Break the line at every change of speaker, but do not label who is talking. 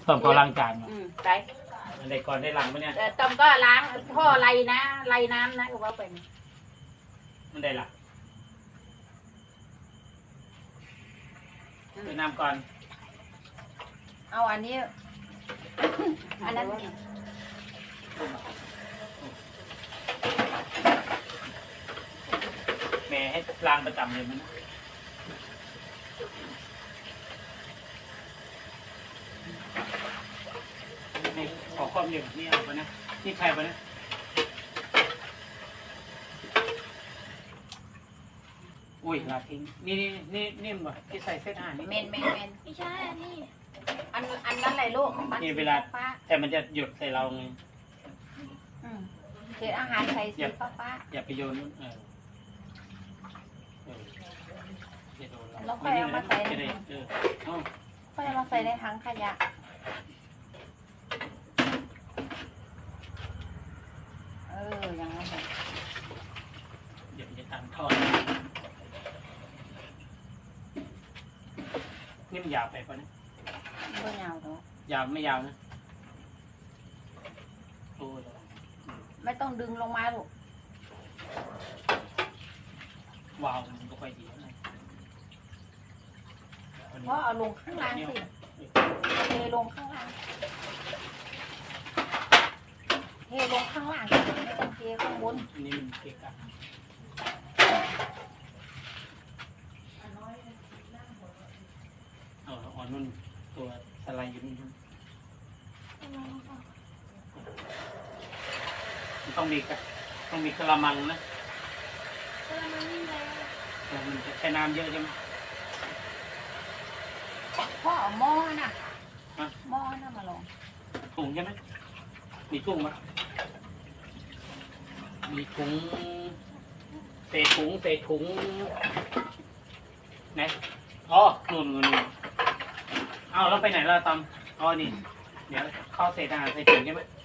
ต้มเขาล้างจานมา
ไป
ในก่อนได้หลังปะเนี่ย
ต้มก็ล้างท่อไรนะไรน้ำนะก็ว่าไป
มันได้หลังไปน้ำก่อน
เอาอันนี้ อันนั้น
แม่ให้ล้างประจำเลยมันนี่ขอความเร็วนี่เอาไปนะนี่ใครไปนะอุ้ยลาทิ้งนี่บ่ที่ใส่เส้นอาหารนี่
เมน
ไม่ใช่อันนี้
อันนั้นอะไรลูก
นี่เวลาแต่มันจะหยุดใส่เราไง
เศษอาหารใส่สีฟ้า
อย่าไปโยนอย่าโดนเรา
แล้วค่อยเอามาใส่
จะได้เอา
ค่อยเอามาใส่ในถังขยะอย่างนั้น
เดี๋ยวจะตัดทอดนี่มันยาวไปปะเนี่ย
ก็ยาวเนาะ
ยาวไม่ยาวนะโอ้ย
ไม่ต้องดึงลงมาลูก
วาวมันก็ค่อยดีนะ
เพราะเอาลงข้างล่างสิเทลงข้างล่างเทลงข้างล่างไม่ต้องเทข้างบน
อันนี้มันเกะกะอ่อนนุ่นตัวสไลด์อยู่นี่มันต้องมีกระมังนะ
มันนี่แล้ว
มันจะใช้น้ำเยอะใช่ไหม
พ่อเอาหม้อน่ะหม้อน่ะมาลง
ถุงใช่ไหมมีถุงไหมมีถุงเศษถุงไหนอ๋อนู่นเอาแล้วไปไหนล่ะตอมอ๋อนี่เดี๋ยวเข้าเศษอาหารใส่ถุงใช่ไหม